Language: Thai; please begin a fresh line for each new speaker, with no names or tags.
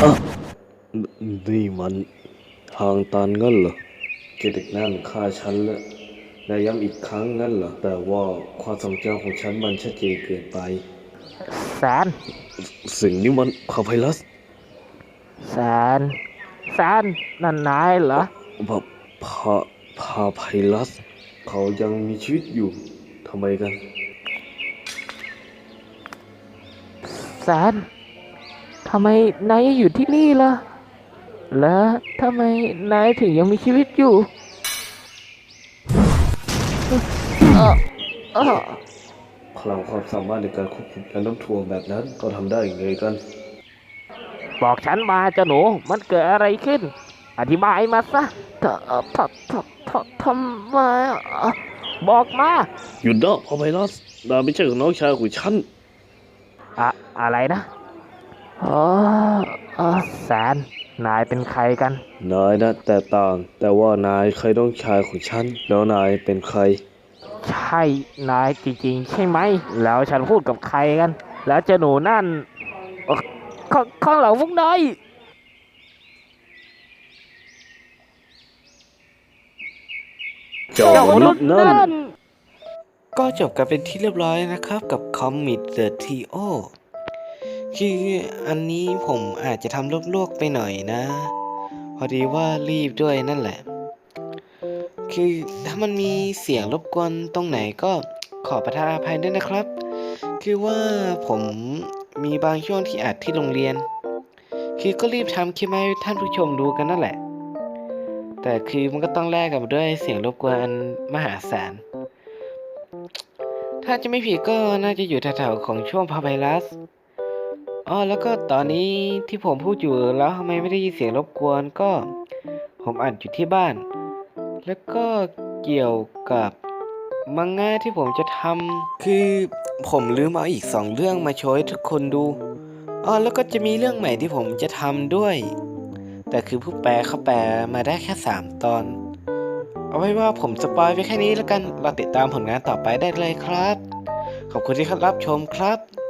อ่ะนี่มันทางตันงั้นเหรอเด็กนั่นฆ่าฉันและย้ำอีกครั้งงั้นเหรอแต่ว่าความทรงจำของฉันมันชัดเจนเกินไป
แสน
สิ่งนี้มันพาไพลัส
แสนแสนนั่นนายเหรอ
พาพาพาไพลัสเขายังมีชีวิตอยู่ทำไมกัน
แสนทำไมนายยังอยู่ที่นี่ล่ะและทำไมนายถึงยังมีชีวิตอยู่เออเออ
พลังความสามารถในการควบคุมการน้ำท่วมแบบนั้นเขาทำได้ยังไงกัน
บอกฉันมาเจ้าหนูมันเกิดอะไรขึ้นอธิบายมาซะทททำไมบอกมา
หยุดนะพาไพลัสนายไม่ใช่ของน้องชายของฉัน
อะอะไรนะอ๋อแสนนายเป็นใครกัน
นายนะแต่ต่างแต่ว่านายเคยน้องชายของฉันแล้วนายเป็นใคร
ใช่นายจริงๆใช่ไหมแล้วฉันพูดกับใครกันแล้วเจ้าหนูนั่นเอ่อข้างหลังพวกนาย
เจ้า
เจ้ามนุษย์
มนุษย์นั่น
นั่น
ก็จบกันเป็นที่เรียบร้อยนะครับกับคอมมิ t เดอะทีโอคืออันนี้ผมอาจจะทำลวกๆไปหน่อยนะ พอดีว่ารีบด้วยนั่นแหละ คือถ้ามันมีเสียงรบกวนตรงไหนก็ขอประทานอภัยด้วยนะครับ คือว่าผมมีบางช่วงที่อัดที่โรงเรียน คือก็รีบทำคลิปให้ท่านผู้ชมดูกันนั่นแหละ แต่คือมันก็ต้องแลกกับด้วยเสียงรบกวนอันมหาศาล ถ้าจะไม่ผิดก็น่าจะอยู่แถวๆของช่วงพาไ y รัสแล้วก็ตอนนี้ที่ผมพูดอยู่แล้วทำไมไม่ได้ยินเสียงรบกวนก็ผมอัดอยู่ที่บ้าน แล้วก็เกี่ยวกับมังงะที่ผมจะทำคือผมลืมเอาอีก2 เรื่องมาโชว์ให้ทุกคนดูแล้วก็จะมีเรื่องใหม่ที่ผมจะทำด้วย แต่คือผู้แปลเขาแปลมาได้แค่3 ตอน เอาไว้ว่าผมสปอยไปแค่นี้แล้วกันเราติดตามผลงานต่อไปได้เลยครับ ขอบคุณที่รับชมครับ